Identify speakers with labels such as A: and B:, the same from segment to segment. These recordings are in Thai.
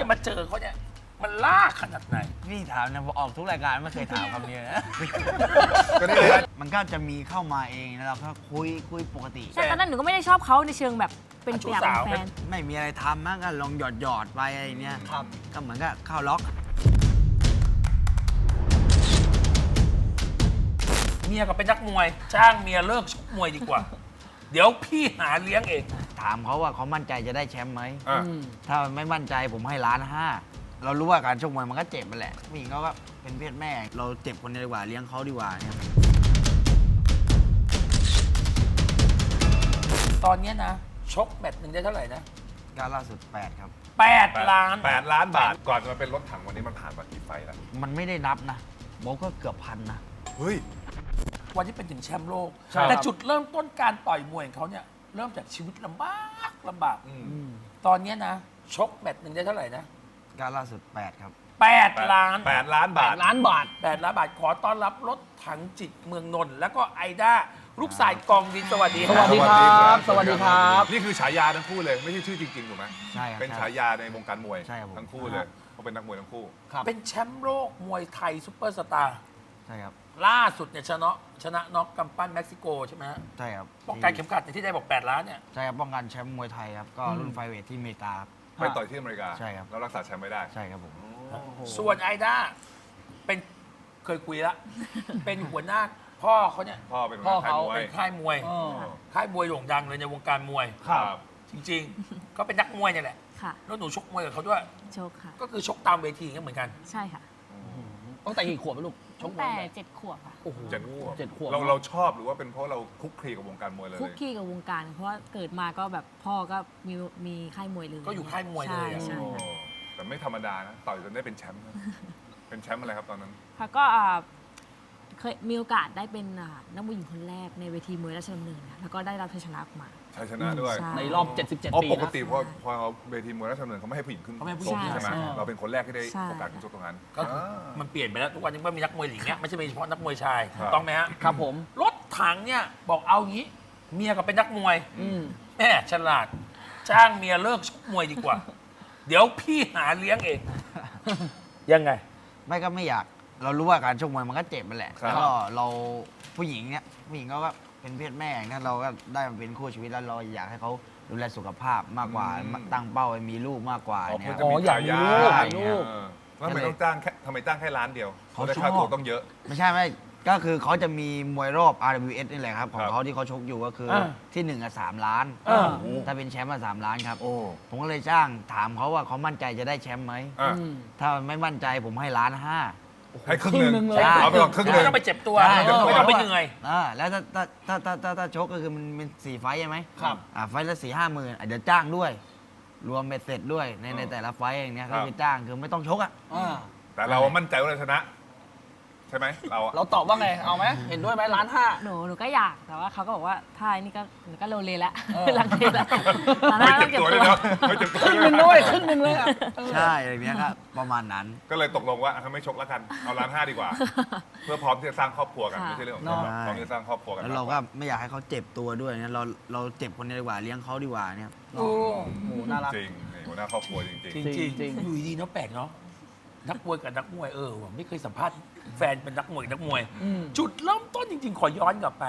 A: จะมาเจอเขาเนี่ยมันลากขนาดไหน
B: นี่ถามนะออกทุกรายการไม่เคยถามคำนี้นะ
C: ก็นี่เลย
B: มันก็จะมีเข้ามาเองนะเราก็คุยปกติ
D: ใช่ตอนนั้นหนูก็ไม่ได้ชอบเขาในเชิงแบบเป็นอยากเป็นแฟน
B: ไม่มีอะไรทำมั้งก็ลองหยอดไปอะไรเนี้ยครับก็เหมือนกับเข้าล็อก
A: เมียก็เป็นนักมวยจ้างเมียเลิกชกมวยดีกว่า เดี๋ยวพี่หาเลี้ยงเอง
B: ถามเขาว่าเขามั่นใจจะได้แชมป์ไหม
C: อ่ะ
B: ถ้าไม่มั่นใจผมให้1,500,000เรารู้ว่าการชกมวยมันก็เจ็บมันแหละผู้หญิงเขาก็เป็นเพศแม่ เราเจ็บคนเดียวดีกว่าเลี้ยงเขาดีกว่าเนี่ย
A: ตอนเนี้ยนะชกแมตช์หนึ่งได้เท่าไหร่นะ
B: ก็ล่าสุด8ครับ
A: 8 ล้าน
C: 8 ล้านบาท ก่อนจะมาเป็นรถถังวันนี้มันผ่านมากี่ไฟล์แล้ว
B: มันไม่ได้นับนะบอกก็เกือบ1,000นะ
C: เฮ้ย
A: วันที่เป็นถึงแชมป์โลก
C: ใช่ครับ
A: แต่จุดเริ่มต้นการต่อยมวยของเขาเนี่ยเริ่มจากชีวิตลำบาก
C: อืม
A: ตอนเนี้ยนะชกแมตช์หนึ่งได้เท่าไหร่นะ
B: ก็ล่าสุด8ครับ
A: 8 ล้าน
C: 8 ล้านบาท
E: ล้านบาท
A: 8 ล้านบาทขอต้อนรับรถถังจิตเมืองนนท์แล้วก็ไอด้าลูกสายกองดินสวัสดี
E: สวัสดีครับ สวัสดีครับ
C: นี่คือฉายาทั้งคู่เลย ไม่ใช่ชื่อจริงๆถูกไหม
B: ใช่ครับ
C: เป็นฉายาในวงการมวย
B: ใช่ครับผม
C: ทั้งคู่เลยเขาเป็นนักมวยทั้งคู่
A: เป็นแชมป์โลกมวยไทยซุปเปอร์สตาร์
B: ใช่ครับ
A: ล่าสุดเนี่ยชนะน็อกกำปั้นเม็กซิโกใช่ไหมฮะ
B: ใช่ครับ
A: ป้องกันเข็มขัดในที่ได้บอก 8 ล้านเนี่ย
B: ใช่ครับป้องกันแชมป์มวยไทยครับก็รุ่นไฟเวทที่อเมริกาครับ
C: ไปต่อยที่อเมริกา
B: ใช่ครับ
C: แล้วรักษาแชมป์ไม่ได้
B: ใช่ครับผม
A: ส่วนไอด้าเป็นเคยคุยแล้ว เป็นหัวหน้าพ่อเขาเนี่ย
C: พ่อเป็น
E: พ่อ
C: ค่าย
E: เขา
C: มวย
A: เป็นค่ายมวย
E: อ๋อ
A: ค่ายมวยโด่งดังเลยในวงการมวย
C: ครับ
A: จริงๆ ก็เป็นนักมวยเนี่ยแหละ
D: ค่ะ
A: แล้วหนูชกมวยกับเขาด้วย
D: โชคค่ะ
A: ก็คือชกตามเวทีอย่างเงี้ยเหมือนกัน
D: ใช่ค่ะ
E: ตั้งแต่กี่ขวบไหมลูก ช
D: ตั้
E: ก
D: ง
E: มว
D: แต่
E: ย
D: 7 ขวบค่ะ
E: โอ้โห
C: 7 ขวบ
E: 7 ขวบ
C: เราชอบหรือว่าเป็นเพราะเราคลุกคลีกับวงการมวยเลย
D: คุกคีกับวงการ เพราะว่าเกิดมาก็แบบพ่อก็มีค่ายมวยเลย
A: ก็อยู่ค่ายมวยเลย
D: ใช่
A: อะ
D: ใช่
C: โอ้
D: ค่ะ
C: แต่ไม่ธรรมดานะ ต่อยจนได้เป็นแชมป์นะเป็นแชมป์อะไรครับตอนนั้น
D: ค่ะก็เคยมีโอกาสได้เป็นนักมวยหญิงคนแรกในเวทีมวยราชดำเนินนะแล้วก็ได้รับชัยชนะออกมา
C: ชัยชนะด้วย
D: ใช่
E: ในรอบ 77
C: อ๋อ
E: ปี
C: ปก
E: นะ
C: ติพอเวทีมวยราชดำเนินเขาไม่ให้ผู้หญิงขึ้น
A: เขาไม่ให้ผู้
C: ช
A: หญิ
C: ก
A: ง
C: ใช่ไหม
D: ใช่
C: เราเป็นคนแรกที่ได้
D: ใช่
C: โอกาสขึ้นชกตรงนั้น
A: ก็คือมันเปลี่ยนไปแล้วทุกวันนี้ก็มีนักมวยหญิงเนี่ยไม่ใช่มีเฉพาะนักมวยชาย
C: ครับ
A: ถูกต้องไหมฮะ
E: ครับผม
A: รถถังเนี่ยบอกเอางี้ เมียก็เป็นนักมวย
E: อืม
A: แม่ฉลาด จ้างเมียเลิกชกมวยดีกว่า เดี๋ยวพี่หาเลี้ยงเอง ยังไง
B: ไม่ก็ไม่อยากเรารู้ว่าการชกมวยมันก็เจ็บมันแหละ
C: ครับ
B: แล้วก็เราผู้หญิงเนี่ยผู้หญิงเขาก็เป็นเพศแม่อย่างนั้นเราก็ได้มาเป็นคู่ชีวิตแล้วเราอยากให้เขาดูแลสุขภาพมากกว่าตั้งเป้าให้มีลูกมากกว่า
C: อ๋อ
B: เนี่ย
C: เพื่อ
B: ค
C: จะ
B: รับ
C: มี
E: อ๋อ
C: ฉายา
E: อยากมีลูก
C: เออแล้วทำไมต้องจ้างแค่ทำไมจ้างแค่ล้านเดียว
B: เขา
C: ได้
B: ชอบ
C: ค่าตัวต้องเยอะ
B: ไม่ใช่ก็คือเขาจะมีมวยรอบ RWS นี่แหละครับ ของ
C: ครับ
B: เขาที่เขาชกอยู่ก็คืออา ที่1อ่ะ3 ล้าน
A: อ่า
B: ถ้าเป็นแชมป์อ่ะ3 ล้านครับ
C: โอ้
B: ผมก็เลยจ้างถามเขาว่าเขามั่นใจจะได้แชมป์ไหม
C: อ่ะ
E: อืม
B: ถ้าไม่มั่นใจผมให้1,500,000
C: ให้ครึ่งหนึ่ง
E: ครึ่งหนึ่งเลย
C: เอาไปก่อนครึ่งห
A: ไม่
C: นึ่ง
A: ต้องไปเจ็บตัว
B: ใช่
A: ไม่ต้องไปเหนื่อย
B: แล้วถ้าชกก็คือมันเป็น4 ไฟต์ใช่ไหม
E: ครับ
B: ไฟต์ละ4-5 หมื่นเดี๋ยวจ้างด้วย รวมเบ็ดเสร็จด้วยในแต่ละไฟต์อย่างเนี้ย
C: ครั
B: ก็
C: บ
B: คือจ้างคือไม่ต้องชกอ่ะ
E: อ่า
C: แต่เรามั่นใจว่าเราชนะ ใช่ไหมเราอะ
E: เราตอบว่าไง เอาไหม เห็นด้วยไหมล้านห้า
D: หนูก็อยากแต่ว่าเขาก็บอกว่าถ้าอันนี้ก็หนูก็โลเลแล้ว
E: เออ
D: ลังเลแล้วตอน
C: ไม่
D: นั้น
C: เจ็บตัวด้วยนะไม่เจ็บตัว
E: ครึ่ง
C: ด้วย
E: หนึ่งด้วยครึ่งหนึ่งเลยอะ
B: ใช่อะไรเนี้ยครับประมาณนั้น
C: ก็เลยตกลงว่าอ่ะไม่ชกแล้วกันเอาล้านห้าดีกว่า เพื่อพร้อมที่จะสร้างครอบครัวกัน
D: ค่ะ
C: ไม่ใช่เรื่องของ
E: เนอะ
C: พร้อมที่จะสร้างครอบครัวกัน
B: แล้วเราก็ไม่อยากให้เขาเจ็บตัวด้วยเนี่ยเราเจ็บคนเดียวดีกว่าเลี้ยงเขาดีกว่าเนี่ย
E: โอ้โหน่ารัก
C: จริงนี่หัวหน้าครอบครัวจริง
A: จริง
E: จริง
A: ๆอยู่ดีๆเนาะแปลกเนาะนักมวยกับนักมวยว่ะไม่เคยสัมภาษณ์แฟนเป็นนักมวยนักมวย
E: อืม
A: จุดเริ่มต้นจริงๆ ขอย้อนกลับไป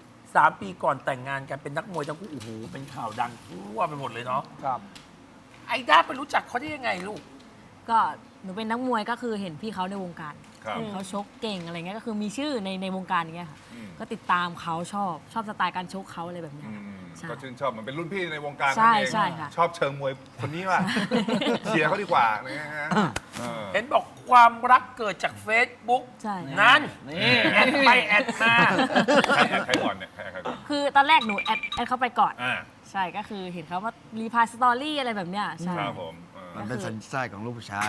A: 3 ปีก่อนแต่งงานกันเป็นนักมวยทั้งคู่โอ้โหเป็นข่าวดังทั่วไปหมดเลยเนาะ
E: ครับ
A: ไอด้าไปรู้จักเขาได้ยังไงลูก
D: ก็หนูเป็นนักมวยก็คือเห็นพี่เขาในวงการ
C: ๆครับ
D: เขาชกเก่งอะไรเงี้ยก็คือมีชื่อในวงการอย่างเงี้ยค่ะ
C: อืม
D: ก็ติดตามเขาชอบสไตล์การชกเขาอะไรแบบเนี้ย
C: อื
D: ค่ะ
C: ม
D: ใช่
C: ก็ชื่นชอบเหมันเป็นรุ่นพี่ในวงการ
D: ใช่
C: นั่นเอง
D: ใช่ค่ะ
C: ชอบเชิงมวยคนนี้ว่ะเชียร์เขาดีกว่านะฮะเออ
A: เห็นบอกความรักเกิดจาก Facebook
D: ใช่
A: นั่น
E: นี่
A: แอดไปแอดมา
C: ใครแอดใครก่อนเนี่ยใครแอดใครก่อน
D: คือตอนแรกหนูแอดเข้าไปก่อน
C: อ่า
D: ใช่ก็คือเห็นเขาว่ารีพายสตอรี่อะไรแบบเนี้ยใช่
C: ครับผมเออ
B: มันเป็นสัญชาติของลูกผู้ชาย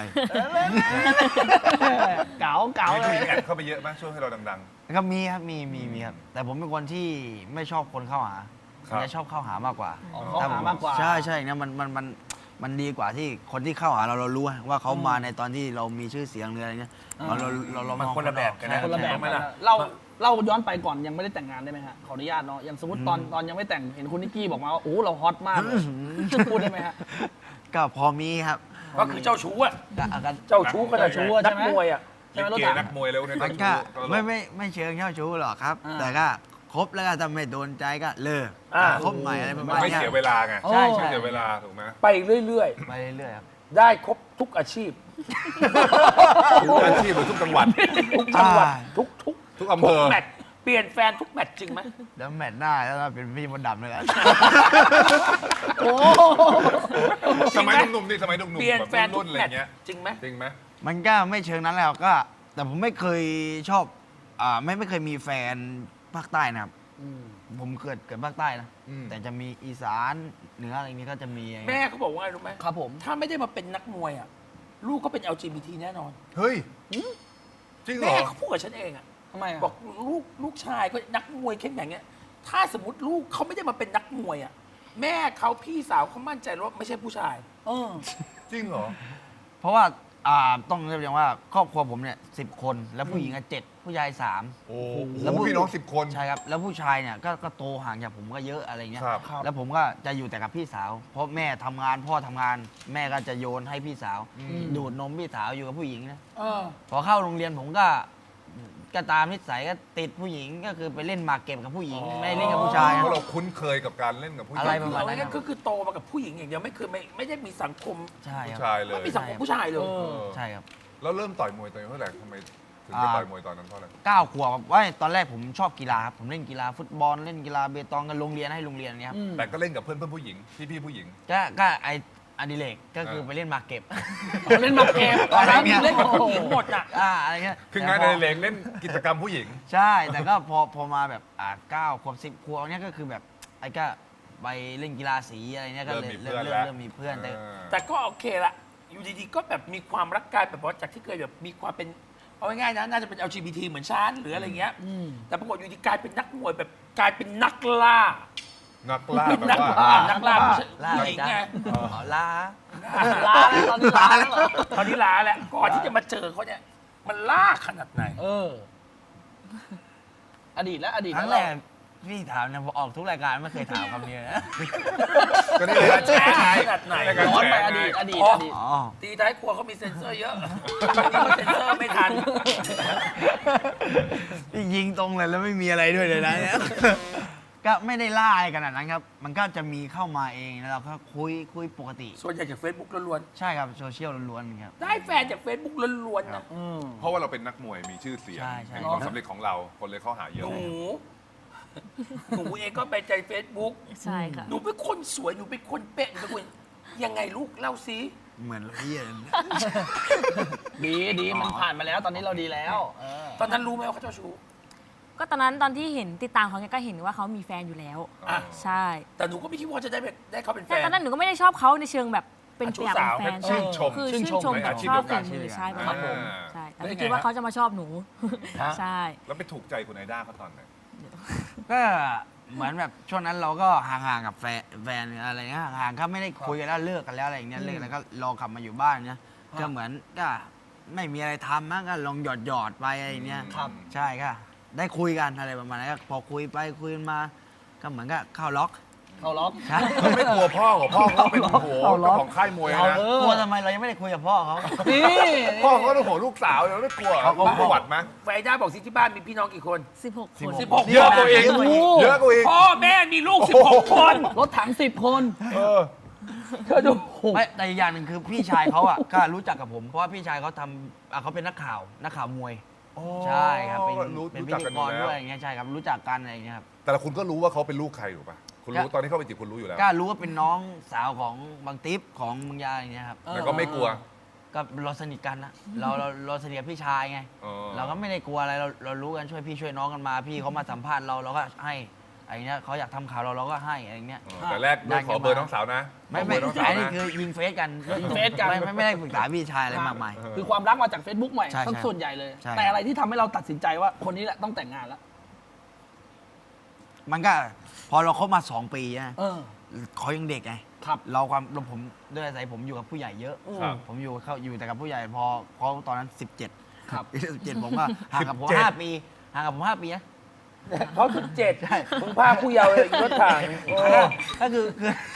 E: เก๋าเก๋า
C: มี
E: เล
C: ผู้ห
E: ย
C: ญิงแอดเข้าไปเยอะไหมช่วงให้เราดัง
B: ก็มีครับมีครับแต่ผมเป็นคนที่ไม่ชอบคนเข้าหา
C: ครับ
B: จะชอบเข้าหามากกว่า
E: อ๋อเข้าหามากกว่า
B: ใช่เนี่ยมันดีกว่าที่คนที่เข้าหาเรารู้ว่าเขามาในตอนที่เรามีชื่อเสียงหรืออะไรเงี้ย
E: อ่า
B: เรา
A: มัน
B: มอง
A: คนละแบบกันนะ
E: คนละแบบ
A: ไหมล่ะ
E: เล่าย้อนไปก่อนยังไม่ได้แต่งงานได้ไหมฮะ ขออนุญาตเนาะ อย่างสมมติตอนยังไม่แต่ง เห็นคุณนิกกี้บอกมาว่า โอ้เราฮอตมากเลยพูดได้ไหมฮะ
B: ก็พอมีครับ
A: ก็คือเจ้าชู้อะ
B: ก็
A: เจ้าชู้ขนาด
E: เจ้าชู้อะ
A: นัก
E: ใช่ไหม
A: มวยอะ
E: ใช่ไหมรถ
C: เก
E: ถัง
C: นักมวยแล้วเนี่ย
B: มันก็ไม่เชิงเจ้าชู้หรอกครับ
E: อ่า
B: แต่ก็คบแล้วก็ถ้าไม่โดนใจก็เลิก
A: อ่า
B: คบใหม่อะไรประมาณ
C: ไม่
B: เนี้ย
C: เสียเวลาไง
E: โอ้
B: ใช่
C: ไม่
B: ใช่
C: เสียเวลาถูกไหม
A: ไปเรื่อย
B: ไปเรื่อยๆครับ
A: ๆ ได้ครบทุกอาชีพ
C: ทุกอาชีพหรือทุกจังหวัด
A: ทุกจังหวัด
B: อ่า
A: ทุก
C: ทุกอำเภอ
A: แมตช์เปลี่ยนแฟนทุกแมตช์จริงไหม
B: แล้วแมตช์หน้าแล้วก็เป็นพี่มดดำเลยแหละ
E: โอ้
C: สมัยหนุ่มๆนี่สมัยหนุ่มๆ
A: เปลี่ยนแฟน
C: แบบ
A: ทุ
C: รุ่
A: ก
C: นๆอะไร
A: แมตช์
C: เงี้ย
A: จริงไหม
C: จริงไหม
B: มันก็ไม่เชิงนั้นแล้วก็ แต่ผมไม่เคยชอบไม่เคยมีแฟนภาคใต้นะครับ ผมเกิดภาคใต้นะ
C: อืม
B: แต่จะมีอีสานเหนืออะไรอย่างนี้ก็จะมีอะไร
A: แม่เขาบอกว่าไงรู้ไหม
E: ครับผม
A: ถ้าไม่ได้มาเป็นนักมวยอะลูกก็เป็น LGBT แน่นอน
C: เฮ้ยจริงเหร
A: แม่
C: อ
A: เขาพูดกับฉันเองอะ
E: ทำไมอ่ะ
A: บอกลูกชายก็นักมวยเข้มแข็งเงี้ยถ้าสมมติลูกเขาไม่ได้มาเป็นนักมวยอะแม่เขาพี่สาวเขามั่นใจว่าไม่ใช่ผู้ชาย
E: เออ
C: จริงเหรอ
B: เพราะว่าต้องเรียกอย่างว่าครอบครัวผมเนี่ย10 คนแล้วผู้หญิง7ผู้ชาย3
C: โอ้โห
B: แล้วผู้
C: พี่น้อง10 คน
B: ใช่ครับแล้วผู้ชายเนี่ยก็โตห่างจากผมก็เยอะอะไรเงี้ย
C: ครับ
B: แล้วผมก็จะอยู่แต่กับพี่สาว เพราะแม่ทำงานพ่อทำงาน แม่ก็จะโยนให้พี่สาว ดูดนมพี่สาวอยู่กับผู้หญิงนะ
A: เออ
B: พอเข้าโรงเรียนผมก็ตามนิสัยก็ติดผู้หญิงก็คือไปเล่นหมากเก็บกับผู้หญิงไม่เล่นกับผู้ชาย
C: เพ
B: นะ
C: ราะเราคุ้นเคยกับการเล่นกับผู้หญิ
B: อะไร
C: ง
B: ประมาณนั้น
A: เอาง่ายๆก็คือโตมากับผู้หญิงอย่างเดียวไม่เคยไม่ได้มีสังคม
B: ใช่
C: ผู้
B: ครับ
C: ชายเลย
A: ไม่มีสังคมผู้ชายเลย
E: เออ
B: ใช่ครับ
C: แล้วเริ่มต่อยมวยตอนเท่าไหร่ทำไมถึงไปต่อยมวยตอนนั้นเพราะอะไร
B: 9 ขวบครับว่าตอนแรกผมชอบกีฬาครับผมเล่นกีฬาฟุตบอลเล่นกีฬาเบตองกันโรงเรียนให้โรงเรียนเนี้ยครับ
C: แต่ก็เล่นกับเพื่อนผู้หญิงพี่ผู้หญิง
B: ก็ไออดิเรกก็คือไปเล่นหมากเก็บ
E: เล่นหมากเก็บตอนนั้น
B: อะไรเงี้ย
E: เล่นกับผู้หญิง
A: หมดอ่ะ
B: อะไรเงี้ย
C: คืองาน
B: แต่
C: ใน
B: พ
C: เลงเล่นกิจกรรมผู้หญิง
B: ใช่ แต่ก็พอมาแบบ9 ขวบ 10 ขวบเนี้ยก็คือแบบไอ้ก็ไปเล่นกีฬาสีอะไรเนี้ยก็เลย
C: เริ่มมีเพื่อนแล้ว
B: เริ่มมีเพื่อนแต่
A: แต่ก็โอเคละอยู่ดีๆก็แบบมีความรักกายแบบว่าจากที่เคยแบบมีความเป็นเอาง่ายๆนะน่าจะเป็น LGBT เหมือนฉันหรืออะไรเงี้ยแต่ปรากฏอยู่ดีกลายเป็นนักมวยแบบกลายเป็นนักล่า
C: นักล่า
A: เป็น
C: แบบ
A: นัก
C: ว่า
A: ล่านักล่าผู้ชาย
B: ล่า
A: ผู้
B: อะไร
A: หญิง
B: จ๊ะ
A: ไง
B: อ๋อล่า
E: ลาแล้วตอนนี้ลาแล้วเหรอ
A: ตอนนี้ลาแล้วก่อนที่จะมาเจอเขาเนี่ยมันล่าขนาดไหน
E: เออ อดีตแล้วอดีต
B: ครั้
E: แล้
B: ง
E: ว
B: แรกพี่ถามนะผมออกทุกรายการไม่เคยถามคำนี้นะ
C: ก็นี่เลยการแฉไง
A: ขนาดไหน
C: รายการ
E: ย้อน
C: แฉ
E: ไปอ
C: ไง
E: ดีตอดีต
A: อ๋อ
E: อดีต
B: อ๋อ
A: ตีท้ายครัวเขามีเซ็นเซอร์เยอะบางทีก็เซ็นเซอร์ไม่ทัน
B: พี่ยิงตรงเลยแล้วไม่มีอะไรด้วยเลยนะเนี่ย ก็ไม่ได้ล่าอะไรขนาดนั้นครับ มันก็จะมีเข้ามาเองแล้วเราก็คุยปกติ
A: ส่วนใหญ่จาก Facebook ล้วน
B: ใช่ครับโซเชียลล้วนๆครับ
A: ๆได้แฟนจาก Facebook ล้วนๆนะ
C: เพราะว่าเราเป็นนักมวยมีชื่อเสียง
B: ใช่ใช่
C: มีความสำเร็จของเราคนเลยเข้าหาเย
A: ห
C: อะ
A: นูเองก็ไปใจ Facebook
D: ใช่ค่ะ
A: หนูเป็นคนสวยหนูเป็นคนเป๊ะหนูเป็นคนยังไงลูกเล่าซิ
B: เหมือนพี่เลย
E: ดีมันผ่านมาแล้ว ตอนนี้เราดีแล้วเออ
A: ตอนนั้นรู้ไหมว่าเขาเจ้าชู้
D: ก็ตอนนั้นตอนที่เห็นติดตามเขาเนี่ยก็เห็นว่าเขามีแฟนอยู่แล้ว
A: อ่ะ
D: ใช่
A: แต่หนูก็ไม่คิดว่าจะได้เขาเป็นแฟ
D: แต่
A: น
D: ตอนนั้นหนูก็ไม่ได้ชอบเขาในเชิงแบบเป็น
A: ชู้
D: อยาก
A: สา
D: เป็
A: วน
D: แฟน
C: ชื่นชม
D: คือชื่นชม
C: ใน
D: กับ
C: อาชีพ
D: ชอบ
C: เดียวกั
D: ฝี
C: น
D: มือใช่ประ
A: ครั
D: มา
A: บ
D: ณ
A: ผ
D: นั้น
A: ม
D: ใช่แต่
A: แล้ว
D: ไม่
A: ยังไง
D: คิดว่า
A: ฮะ
D: เขาจะมาชอบหนู
A: ฮะ
D: ใช่
C: แล้วไปถูกใจคุณไอด้าเขาตอนไหน
B: ก็เหมือนแบบช่วงนั้นเราก็ห่างๆกับแฟนอะไรเงี้ยห่างๆก็ไม่ได้คุยกันแล้วเลิกกันแล้วอะไรอย่างเงี้ยเลิกแล้วก็รอกลับมาอยู่บ้านเนี้ยก็เหมือนก็ไม่มีอะไรทำมั้งก็ลองหยอดไปอะไรอย่างเงี้ย
C: ครับ
B: ใช่ก็ได้คุยกันอะไรประมาณนั้นก็พอคุยไปคุยมา ก็เหมือนก็เข้าล็อก
E: เขาล็อก
B: ใช่
C: เขาไม่กลัวพ่อเหรอพ่อเขาเป็นโอ้โห
E: เอาเหรอ
C: เจ้าของค่ายมวย
E: เอา
C: นะ
E: เออ
B: กลัวทำไมเรายังไม่ได้คุยกับพ่อเขา
E: นี่
C: พ่อเขาต้องโหลูกสาวเราไม่กลัว
B: เขาก็
C: ประวัติไหม
A: แฟนด้าบอกสิที่บ้านมีพี่น้องกี่คน
D: 16 คน
A: 16
C: เยอะกว่าเอง
B: เยอะกว่าอีก
C: เยอะกว่าอีก
A: พ่อแม่มีลูก 16 คน
E: รถถัง10 คน
C: เออ
E: เธอดู
B: ไม่แต่อีกอย่างหนึ่งคือพี่ชายเขาอ่ะ ก็รู้จักกับผม เพราะว่าพี่ชายเขาทำเขาเป็นนักข่าวมวย ใช่ครับเป็น
C: รู้
B: เป็นพิ
C: จัก
B: ธี
C: กัน
B: ก
C: อยู่
B: ร
C: แล้ว
B: ด้วยอย่างเงี้ยใช่ครับรู้จักกันอะไรอย่างเงี้ยครับ
C: แต่ละคุณก็รู้ว่าเขาเป็นลูกใครถูกป่ะคุณรู้
B: ก็
C: ตอนที่เข้าไปจีบคุณรู้อยู่แล้ว
B: ก็รู้ว่าเป็นน้องสาวของบางติ๊บของเมึงยาอย่างเงี้ยครับ
C: แต่ก็ไม่กลัว
B: ก็เราสนิทกันนะเราสนิทกับพี่ชายไง
C: อ๋อ
B: เราก็ไม่ได้กลัวอะไรเรารู้กันช่วยพี่ช่วยน้องกันมา พี่เขามาสัมภาษณ์เราก็ให้อะไรเงี้ยเขาอยากทำข่าวเราก็ให้อะไรเงี้ย
C: แต่แรกด้วยขอเบอร์น้องสาวนะ
B: ไม่
C: ขอเบอร์น้องสาว
B: อันนี้
C: นะ
B: คือยิงเฟซกัน
E: ยิงเฟซกัน
B: ไม่ได้ปรึกษาพี่ชายอะไรมากมาย
E: คือความรักมาจาก Facebook ใหม่
B: ใช่
E: ทั้ง
B: ใช่
E: ส่วนใหญ่เลย
B: ใช่
E: แต่อะไรที่ทำให้เราตัดสินใจว่าคนนี้แหละต้องแต่งงานแล้ว
B: มันก็พอเราคบมา 2 ปีนะ
E: เออ
B: เขายังเด็กไง
E: ครับ
B: ผมด้วยอาศัยผมอยู่กับผู้ใหญ่เยอะ
C: ครับ
B: ผมอยู่แต่กับผู้ใหญ่พอเขาตอนนั้น 17
E: ครับ
B: 17ผมก็ห่างกับผม
C: 17
B: 5 ปีห่างกับผม5 ปีนะ
A: เขา17มึงพาผู้เยาว์เลยรถถัง
B: ก็คือ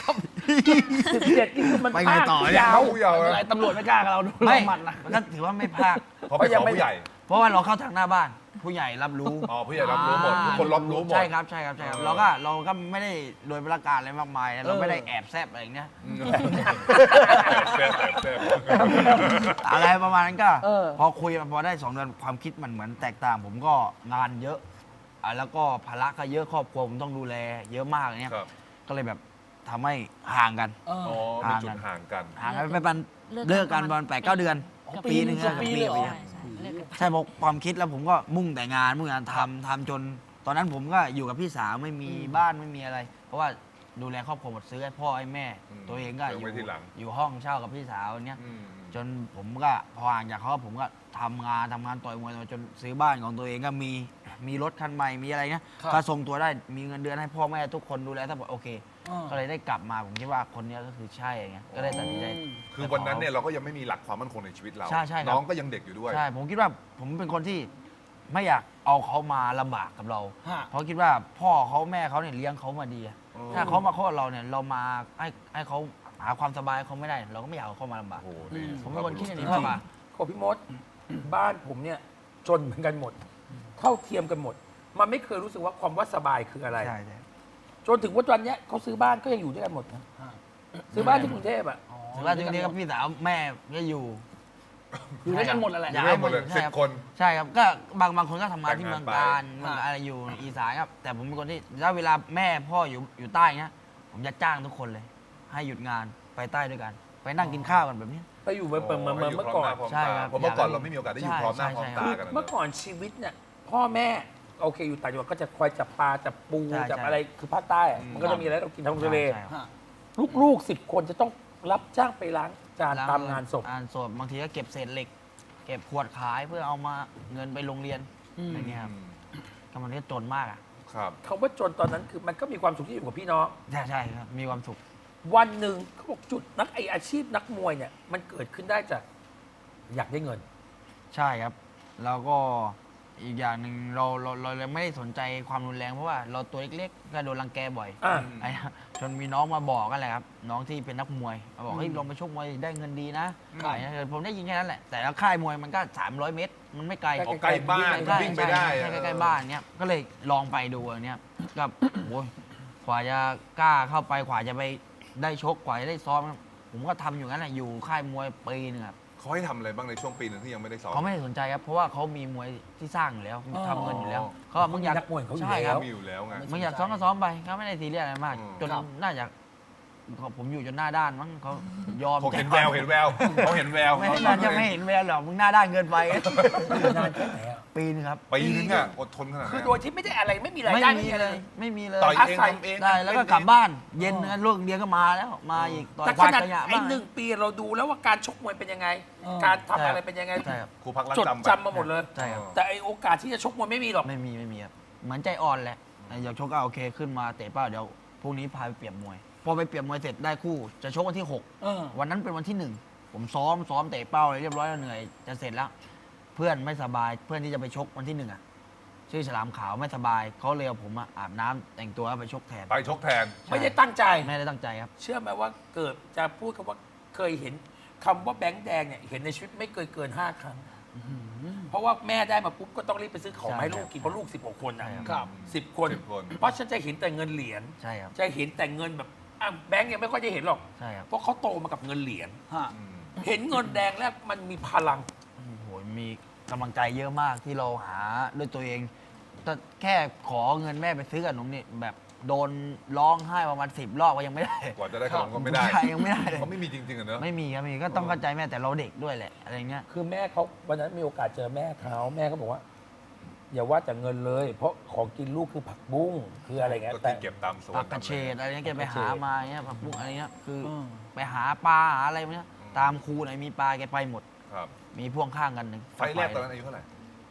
A: 17นี่คือมัน
B: ไปไงต่อเนี่ย
A: ยาว
C: ผู้เยาว์
E: อะไร
C: นะ
E: ตำรวจไม่กล้ากับเราดู
B: ไม่
E: เราหมัดนะ
B: มันก็ถือว่าไม่พลาด
C: เพราะไปขอผู้ใหญ่
B: เพราะว่าเราเข้าทางหน้าบ้าน ผู้ใหญ่รับรู้
C: อ๋อผู้ใหญ่รับรู้หมดทุกคนรับรู้หมด
B: ใช่ครับใช่ครับใช่ครับ
C: เออ
B: เราก็ไม่ได้โดยประการอะไรมากมายนะเราไม่ได้แอบแซบอะไรอย่างเงี้ย
C: แซ่บแซ่บ
B: อะไรประมาณนั้นก็
E: เออ
B: พอคุยมาพอได้2 เดือนความคิดมันเหมือนแตกต่าง ผมก็งานเยอะแล้วก็ภาระก็เยอะครอบครัวผมต้องดูแลเยอะมากอย่างเงี้ย
C: ครับ
B: ก็เลยแบบทำให้ห่างกัน
C: อ๋อมีจุดห่างกัน
B: ห่างกันไปประมาณเลิกกันประมาณ8-9 เดือน
E: อ๋อ
B: ปีหนึง
E: เกือบปีเลยเหรอ
B: ครับ
D: ใช่เลิกกัน
B: ใช่เพราะความคิดแล้วผมก็มุ่งแต่งานทำจน ตอนนั้นผมก็อยู่กับพี่สาวไม่มีบ้านไม่มีอะไร เพราะว่าดูแลครอบครัวหมดซื้อให้พ่อให้แม่
C: อืม
B: ตัวเองก็
C: เดี๋ยวไว้ทีหลัง
B: อยู่ห้องเช่ากับพี่สาวเนี้ย
C: อืม
B: จนผมก็พอห่างจากเขาผมก็ทำงานต่อยมวยจนซื้อบ้านของตัวเองก็มีรถคันใหม่มีอะไรเงี้ย
E: ครับ
B: ก็ทรงตัวได้มีเงินเดือนให้พ่อแม่ทุกคนดูแลทั้งหมดโอเค
E: อ่า
B: ก็เลยได้กลับมาผมคิดว่าคนเนี้ยก็คือใช่ไงก็เลยตัดสินใจ
C: คือวันนั้นเนี่ยเราก็ยังไม่มีหลักความมั่นคงในชีวิตเรา
B: ใช่ครับ
C: น้องก็ยังเด็กอยู่ด้วย
B: ใช่ผมคิดว่าผมเป็นคนที่ไม่อยากเอาเขามาลำบากกับเรา
E: ฮะ
B: เพราะคิดว่าพ่อเขาแม่เขาเนี่ยเลี้ยงเขามาดีอะ
C: อ๋อ
B: ถ้าเขามาคลอดเราเนี่ยเรามาให้เขาหาความสบายเขาไม่ได้ เราก็ไม่อยากเอาเขามาลำบาก
C: โอ้โหนี่
B: ผมเป็นคนคิดอย่างนี้
A: จริ
B: มาง กกว่า
A: ๆของพี่มด บ้านผมเนี่ยจนเหมือนกันหมด เท่าเทียมกันหมด มันไม่เคยรู้สึกว่าความว่าสบายคืออะไร
B: ใช่ใช่
A: จนถึงวันเนี้ยเขาซื้อบ้านก็ยังอยู่ด้วยกันหมดนะซื้อบ้านที่กรุงเทพอ่ะ
B: ถึงว่าทีนี้ก็พี่สาวแม่ก็อยู่
E: อยู่ด้วยกันหมดนั่นแหละ
B: อยาก
C: เรื่องหมดเลย
B: ใช่
C: 10
B: ครับ
C: คน
B: ใช่ครับก็บางคนก็ทำงานที่
C: แต่
B: เมื
C: ง
B: อง
C: งานไป
B: การเมืองอะไรอยู่อีสานครับ แต่ผมเป็นคนที่ถ้าเวลาแม่พ่ออยู่ใต้เนี้ยผมจะจ้างทุกคนเลย ให้หยุดงานไปใต้ด้วยกัน ไปนั่งกินข้าวกันแบบนี้
A: ไปอยู่เหมือนเมื่อก่อน
B: ใช่ครับ
C: เพราะเมื่อก่อนเราไม่มีโอกาสได้อยู่พร้อมหน้าพร้อมตา
A: คือ
C: กันนะ
A: เมื่อก่อนชีวิตเนี่ยพ่อแม่โอเคอยู่ต่างจังหวัดก็จะคอยจับปลาจับปู
B: ใช่
A: จับ
B: ใช่
A: อะไรคือภาคใต้อะ
C: อืม
A: มันก็จะมีอะไรเรากินทางทะเล
B: ใช่ครับ
E: ฮะ
A: ลูกๆ10 คนจะต้องรับจ้างไปล้างจานตามงานศพ
B: งานศพบางทีก็เก็บเศษเหล็ก เก็บขวดขายเพื่อเอามาเงินไปโรงเรียน
E: อืม
B: อะไรเงี้ยครับก็มันก็จนมากอ่ะ
C: ครับ
A: คำว่าจนตอนนั้นคือมันก็มีความสุขที่อยู่กับพี่น้อง
B: ใช่ครับมีความสุข
A: วันหนึ่งเขาบอกจุดอาชีพนักมวยเนี่ยมันเกิดขึ้นได้จากอยากได้เงิน
B: ใช่ครับ แล้วก็อีกอย่างหนึ่งเราเลยไม่ได้สนใจความรุนแรงเพราะว่าเราตัวเล็กๆก็โดนรังแกบ่อย
A: อ่า
B: ไอ้จนมีน้องมาบอกกันแหละครับ น้องที่เป็นนักมวยมาบอกเฮ้ยลองไปชกมวยได้เงินดีนะ
C: ครับ
B: ไอ้นะผมได้ยินแค่นั้นแหละ แต่แล้วค่ายมวยมันก็ 300 เมตร มันไม่ไกล
C: ออกใกล้บ้าน
B: ใช่
C: วิ่งไปได้
B: ใช่ใกล้ๆบ้านเนี้ยก็เลยลองไปดูอันเนี้ยก็โอ้ยกว่าจะกล้าเข้าไปกว่าจะไปได้ชกกว่าจะได้ซ้อมผมก็ทำอยู่งั้นแหละอยู่ค่ายมวยปีนึงครับ
C: เขาให้ทำอะไรบ้างในช่วงปีหนึงที่ยังไม่ได้สอน
B: เขาไม่ได้สนใจครับ เพราะว่าเขามีมวยที่สร้างอยู่แล้วทำเงินอยู่แล้วเขาบอกมึงอยาก
A: นักมวยเขาอยู่
B: ใช่ค
A: แล้
B: รับ
A: ว
C: มีอยู่แล้วไง
B: มึงอยากซ้อมก็ซ้อมไปเขาไม่ได้ซีเรียสอะไรมาก
C: อืม
B: จน
E: ครับ
B: น่าจะผมอยู่จนหน้าด้านมั้งเขายอม
C: เขาเห็นแววเห็นแววเขาเห็นแวว
B: ไม่น่าจะไม่เห็นแววหรอกมึงหน้าด้านเกินไป
A: นานแค่ไหนอะ
B: ปีนึงครับ
C: ปีนึงอ่ะอดทนขนาด
A: คือ
C: นั้น
A: โดยที่ไม่ได้อะไรไม่มีราย
B: ไม่
A: ได้
B: มี
A: อะไร
B: เลยไม่มีเลย
C: ต่อยเอง
A: อาศัย
C: ทำเอง
B: ได้แล้วก็กลับบ้าน เย็นนะลูกเรียนก็มาแล้วมาอีกต่อย
A: แต่
B: ค
A: ข
B: วาด
A: นาด
B: ขยะ
A: ไอ้
B: บ้าง
A: 1 ปีเราดูแล้วว่าการชกมวยเป็นยังไง
E: เออ
A: การทำอะไรเป็นยังไง
B: ใช่ครับ
C: ครูพักรัก
A: จด
C: จำไป
A: จำมาหมดเลย
B: ใช่ครับ
A: แต่ไอโอกาสที่จะชกมวยไม่มีหรอก
B: ไม่มีครับเหมือนใจอ่อนแหละอยากชกก็โอเคขึ้นมาเตะเป้าเดี๋ยวพรุ่งนี้พาไปเปรียบมวย พอไปเปรียบมวยเสร็จได้คู่จะชกวันที่
E: เออ
B: 6 วันนั้นเป็นวันที่ 1 ผมซ้อมเตะเป้าเลยเรียบร้อยแล้วเหนื่อยจะเสร็จแล้ว เพื่อนไม่สบายเพื่อนที่จะไปชกวันที่1อ่ะชื่อฉลามขาวไม่สบายเขาเลยเอาผมมาอาบน้ำแต่งตัวแล้วไปชกแทน
C: ไปชกแทน
A: ไม่ได้ตั้งใจ
B: ไม่ได้ตั้งใจครับ
A: เชื่อไหมว่าเกิดจะพูดคำว่าเคยเห็นคำว่าแบงค์แดงเนี่ยเห็นในชีวิตไม่เคยเกิน 5 ครั้ง เพราะว่าแม่ได้มาปุ๊บก็ต้องรีบไปซื้อของมาให้ลูกกินเพราะลูก16 คนนะ
B: ใช่
E: ครับ
A: 10 คน
C: 10 คน
A: เพราะฉันจะเห็นแต่เงินเหรียญ
B: ใช่ครับ
A: จะเห็นแต่เงินแบบอ่ะแบงค์ยังไม่ค่อยจะเห็นหรอก
B: ใช่ครับ
A: เพราะเขาโตมากับเงินเหรียญ
E: ฮะ
C: อืม
A: เห็นเงินแดงแล้วมันมีพลัง
B: โอ้โหมีกำลังใจเยอะมากที่เราหาด้วยตัวเองแต่แค่ขอเงินแม่ไปซื้อขนมนี่แบบโดนร้องไห้ประมาณ10 รอบก็ยังไม่ได้
C: กว่าจะได้ขนมก็ไม่ได้
B: ใช่ยังไม่ได้เลย
C: เขาไม่มีจริงๆอะเนอะ
B: ไม่มีครับมีก็ต้องเข้าใจแม่แต่เราเด็กด้วยแหละอะไรเงี้ย
A: คือแม่เขาวันนั้นมีโอกาสเจอแม่เขาแม่เขาบอกว่า อย่าว่าแต่เงินเลย เพราะของกินลูกคือผักบุ้งคืออะไรเงี้ย
C: ก็
A: แต่
C: ที่เก็บตามสวน
B: ผักกระเฉดอะไรเงี้ยแกไปหามาเงี้ยผักบุ้งอะไรเงี้ยคืออ
E: ม
B: ไปหาปลาหาอะไรเงี้ยตามคูไหนมีปลาแกไปหมด
C: ครับ
B: มีพ่วงข้างกันหนึ่ง
C: ไฟล์แรกตอนนั้นอายุเท่าไหร่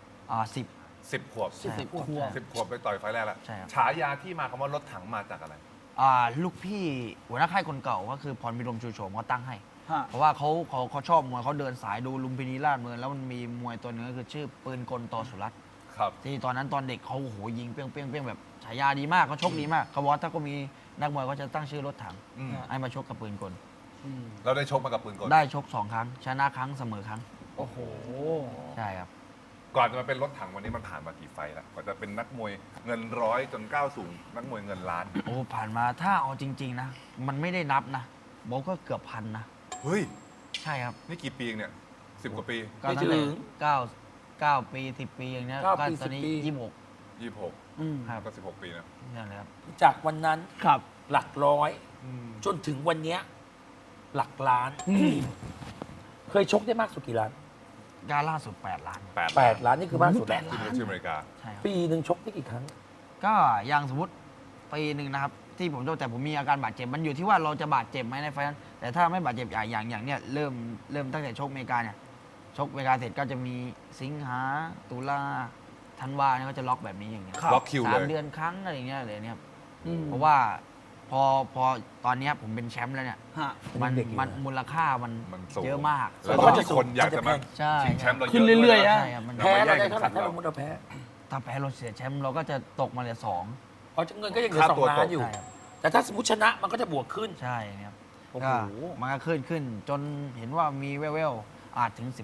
B: 10
C: 10 ขวบ
B: ใช่
E: 10 ขวบ
C: 10 ขวบไปต่อยไฟล์แรกแล้ว
B: ใช่ครับ
C: ฉายาที่มาคำว่ารถถังมาจากอะไร
B: ลูกพี่หัวหน้าค่ายคนเก่าก็คือพรพิรมชูโฉมเขาตั้งให้
E: ฮะ
B: เพราะว่าเขาชอบมวยเขาเดินสายดูลุมพินีราชเมืองแล้วมันมีมวยตัวหนึงก็คือชื่อปืนกลต่อสุรัตน์
C: ครับ
B: ที่ตอนนั้นตอนเด็กเขาโอ้โหยิงเปี้ยงเปี้ยงเปี้ยงแบบฉายาดีมากเขาชกดีมากเขาบอกว่าถ้าก็มีนักมวยก็จะตั้งชื่อรถถัง
C: อืม
B: ให้มาชกกับปืนกล
C: เราได้ชกมากับปืนกล
B: ได้ชก2 ครั้ง ชนะครั้งเสมอครั้ง
E: โอ้โห
B: ใช่ครับ
C: ก่อนจะมาเป็นรถถังวันนี้มันผ่านมากี่ไฟล์แล้วกว่าจะเป็นนักมวยเงินร้อยจนก้าวสู่นักมวยเงินล้าน
B: โอ้ผ่านมาถ้าเอาจริง ๆ นะ มันไม่ได้นับนะบอกก็เกือบพันนะ
C: เฮ้ย
B: ใช่ครับ
C: นี่กี่ปีเองเนี่ย10 กว่าปี
B: ก็ตั้งแต่9 ปี 10 ปีอย่างเงี้ย
A: 9
B: ก็
A: ปี
B: ตอนนี้
A: 10 ปี
B: 26
E: อืม
B: ครับ
C: ก็16 ปีนะ
B: นั่นแหละครับ
A: จากวันนั้น
E: ครับ
A: หลักร้อย จนถึงวันเนี้ยหลักล้าน เคยชกได้มากสุดกี่ล้าน
B: การล่าสุด 8 ล้าน
A: 8 ล้านนี่คือมากสุดแล้ว
C: ที่ประเทศอเมริกา
B: ใช่ครับ
A: ปีหนึ่งชกได้กี่ครั้ง
B: ก็อย่างสมมติปีหนึ่งนะครับ ที่ผมโดนแต่ผมมีอาการบาดเจ็บ มันอยู่ที่ว่าเราจะบาดเจ็บไหมในไฟล์นั้นแต่ถ้าไม่บาดเจ็บอย่างเนี้ยเริ่มตั้งแต่ชกอเมริกาเนี่ยชกอเมริกาเสร็จก็จะมีสิงหาตุลาธันวาเนี่ยก็จะล็อกแบบนี้อย่างเงี้ย
C: ล็อกคิวเลย
B: 3 เดือนครั้งอะไรอย่างเงี้ยเลยเนี่ยครับ
E: อืม
B: เพราะว่าพอตอนเนี้ยผมเป็นแชมป์แล้วเนี่ย
E: ฮะ
B: มัน
A: เด็กอยู่
B: มัน
A: นะ
B: มูลค่ามัน
C: มันสูง
B: เยอะมาก
C: แล้ว
A: เขา
C: ก็
A: จะ
C: มีคนอยากจะมา
B: ใช่
C: ชิงแชมป์เรา
E: ขึ้นเรื่อยๆ
C: ๆ
E: อะ
B: ใช่ครับมัน
A: แพ้เรา
C: แย่
A: ได้
C: ง
A: เท่าไหร่
C: ขัน
A: ถ้า
C: เรา
A: เรามุดเราแพ้
B: ถ้าแพ้เราเสียแชมป์เราก็จะตกมาเหลือ2
A: เพราะเงินก็ยังเหลือ
C: ค่า
A: สอ
C: ตัว
A: งล้านอยู่
B: ใช่ครับ
A: แต่ถ้าสมมติชนะมันก็จะบวกขึ้น
B: ใช่ครับ
E: โอ้โห
B: ก็มันก็ขึ้นจนเห็นว่ามีแว่วๆอาจถึง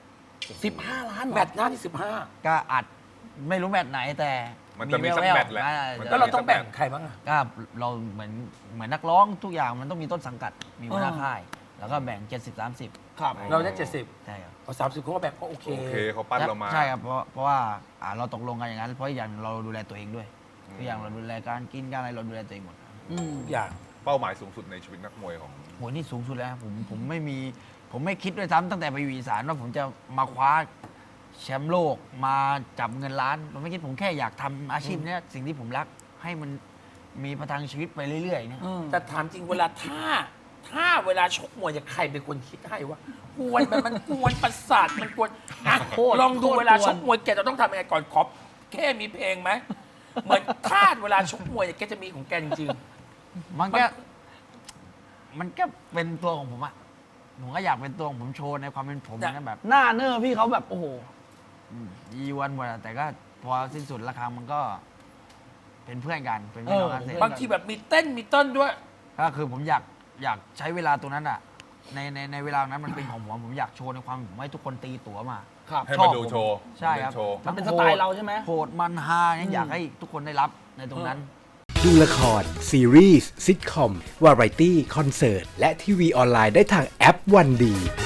E: 15 ล้าน
A: แมตช์หน้าที่
B: 15 ก็อาจไม่รู้แมตช์ไหนแต่
C: มันจะมีสักแมตช์แหละ
A: 15 แล้วเราต้องแบ่งใครบ้างอะ
B: ก็เราเหมือนนักร้องทุกอย่างมันต้องมีต้นสังกัดมีหัวหน้าค่าย แล้วก็แบ่ง 70-30
E: ครับ
A: เราได้ 70
B: ใช่ครับ
A: เอา30เขาก็แบ่งก็โอเค
C: โอเคเขาปั้นเรามา
B: ใช่ครับเพราะว่าเราตกลงกันอย่างนั้นเพราะอีกอย่างเราดูแลตัวเองด้วย
C: อืม
B: ทุกอย่างเราดูแลการกินการอะไรเราดูแลตัวเองหมด
E: อืม
A: ทุกอย่าง
C: เป้าหมายสูงสุดในชีวิตนักมวยของ
B: โหนี่สูงสุดแล้วครับผมไม่คิดด้วยซ้ำตั้งแต่ไปอยู่อีสานว่าผมจะมาคว้าแชมป์โลกมาจับเงินล้านผมไม่คิดผมแค่อยากทำอาชีพเนี้ยสิ่งที่ผมรักให้มันมีประทังชีวิตไปเรื่อยๆเนี่ย
A: แต่ถามจริงเวลาถ้าเวลาชกมวยเนี่ยใครเป็นคนคิดให้ว่ากวนมันกวนประสาทมันกวนอ่ะ
E: โคตร
A: ลองดู
E: โคตร
A: เวลาก
E: วน
A: ชกมวยแกจะต้องทำยังไงก่อนขอแค่มีเพลงไหมเหมือนคาดเวลาชกมวยเนี่ยแกจะมีของแกจริง
B: มันก็เป็นตัวของผมอะผมก็อยากเป็นตัวของผมโชว์ในความเป็นผมนะแบบ
E: หน้าเนอร์พี่เขาแบบ โอ้โห
B: ยีวันหมดอะแต่ก็พอสิ้นสุดราคามันก็เป็นเพื่อนกันเป็นพี่น้องกันเสร็จ
A: ๆ บางทีแบบมีเต้นมีเต้นด้วย
B: ก็คือผมอยากใช้เวลาตรงนั้นอะในเวลานั้นมันเป็นของผมอยากโชว์ในความผมให้ทุกคนตีตั๋วมา
E: ครับ
C: ให้มาดูโชว์
B: ใช่ครับ
C: เป็นโชว์
E: มันเป็นสไตล์เราใช่ไหม
B: โหดมันฮาเนี่ยอยากให้ทุกคนได้รับในตรงนั้น
F: ดูละคร ซีรีส์ซิทคอม วาไรตี้ คอนเสิร์ต และทีวีออนไลน์ได้ทางแอปวันดี